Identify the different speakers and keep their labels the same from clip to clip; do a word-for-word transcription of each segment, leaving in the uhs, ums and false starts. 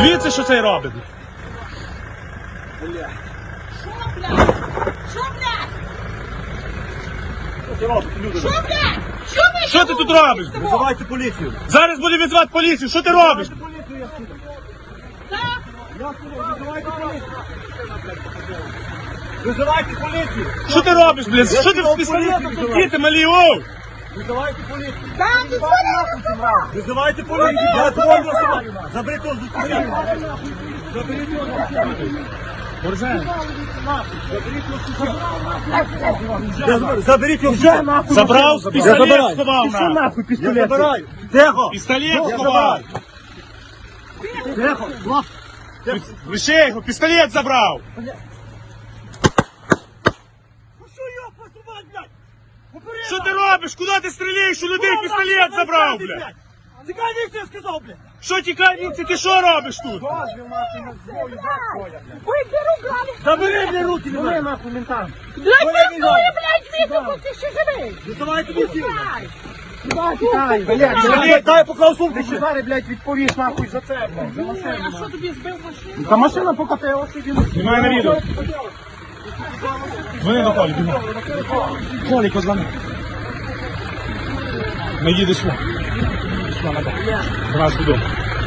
Speaker 1: Дивіться, що цей робить.
Speaker 2: Бля. Що, блядь? Що, блядь?
Speaker 3: Що ти робиш, люди?
Speaker 2: Що, блядь? Що ви?
Speaker 1: Що ти тут робиш?
Speaker 3: Визивайте поліцію.
Speaker 1: Зараз буде відзвати поліцію. Що ти робиш?
Speaker 3: Визивайте поліцію, я сказав.
Speaker 2: Так?
Speaker 3: Я сказав, визивайте поліцію. Визивайте поліцію.
Speaker 1: Що ти робиш, блядь? Що ти з пістолетом тут діти малі, оу?
Speaker 3: Визивайте поліцію.
Speaker 2: Так, ти
Speaker 3: Визивайте поліцію. Я твою особу. Заберіть його з дитини. Заберіть його з дитини. Заберіть його вже нахуй.
Speaker 1: Забрав, пістолет сховав
Speaker 3: Що
Speaker 1: на.
Speaker 3: нахуй пістолет? Я забираю. Тихо.
Speaker 1: Пістолет
Speaker 3: Я
Speaker 1: сховав.
Speaker 3: Тихо. Влад.
Speaker 1: Лише його, пістолет забрав.
Speaker 3: Ну що його поступать, блядь? Попереду.
Speaker 1: Що ти робиш? Куди ти стріляєш? У людей пістолет забрав, блядь.
Speaker 3: Тікай, ніхто, я сказав, блядь.
Speaker 1: Що тікай, вінці, ти що робиш тут?
Speaker 2: Ой, беру, грали.
Speaker 3: Забери мені руки, не дай нахуй ментам.
Speaker 2: Блядь, пиздує, блядь, відео, ти ще живий.
Speaker 3: Визивайте поліцію.
Speaker 2: Дай.
Speaker 3: Блядь, дай поклав сумку.
Speaker 4: Ти зараз, блядь, відповіш нахуй за це, блядь. За машину.
Speaker 2: А що тобі збив машину?
Speaker 4: Та машина покатилася, він...
Speaker 1: Знімай на відео. Дзвони до Колі, бігом. Колі, позвони. Не їдеш сюди. До нас додому.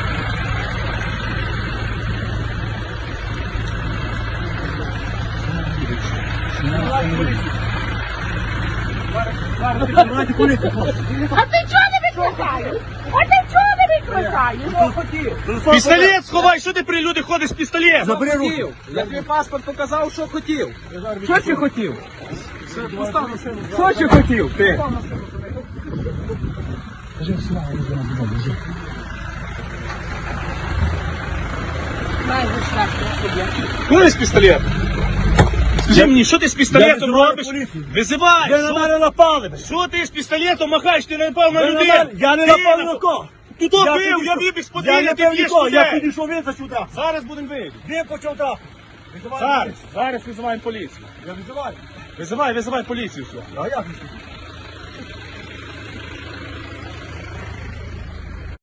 Speaker 3: Визивайте поліцію, хлопці.
Speaker 2: А ти чого не викликаєш? А ти чого не викликаєш?
Speaker 1: Пістолет сховай, що ти при люди ходиш з пістолетом?
Speaker 3: Забери руки.
Speaker 4: Я тобі паспорт показав, що хотів. Що ти хотів? Що ти хотів, ти?
Speaker 2: Дай шлях, я
Speaker 1: Куди з пістолетом? Скажи мені, що ти з пістолетом
Speaker 3: визиваю
Speaker 1: робиш?
Speaker 3: поліцію.
Speaker 1: Визивай!
Speaker 3: Ви на
Speaker 1: Що-
Speaker 3: мене напали, блядь.
Speaker 1: Що ти з пістолетом махаєш? Ти не напав на
Speaker 3: Ви на
Speaker 1: людей!
Speaker 3: мене- Я не
Speaker 1: Ти
Speaker 3: напав ні
Speaker 1: напав.
Speaker 3: на кого.
Speaker 1: Ти то
Speaker 3: Я
Speaker 1: бив, я
Speaker 3: підійшов.
Speaker 1: вибіг з
Speaker 3: Я
Speaker 1: подвір'я,
Speaker 3: не
Speaker 1: ти
Speaker 3: бив
Speaker 1: б'єш
Speaker 3: нікого, я
Speaker 1: людей!
Speaker 3: підійшов, він за сюди.
Speaker 1: Зараз будемо вийти.
Speaker 3: Він почав так. Визивайте
Speaker 1: Зараз,
Speaker 3: поліцію.
Speaker 1: зараз визиваємо поліцію.
Speaker 3: Я визиваю.
Speaker 1: Визивай, визивай поліцію сюди.
Speaker 3: А як?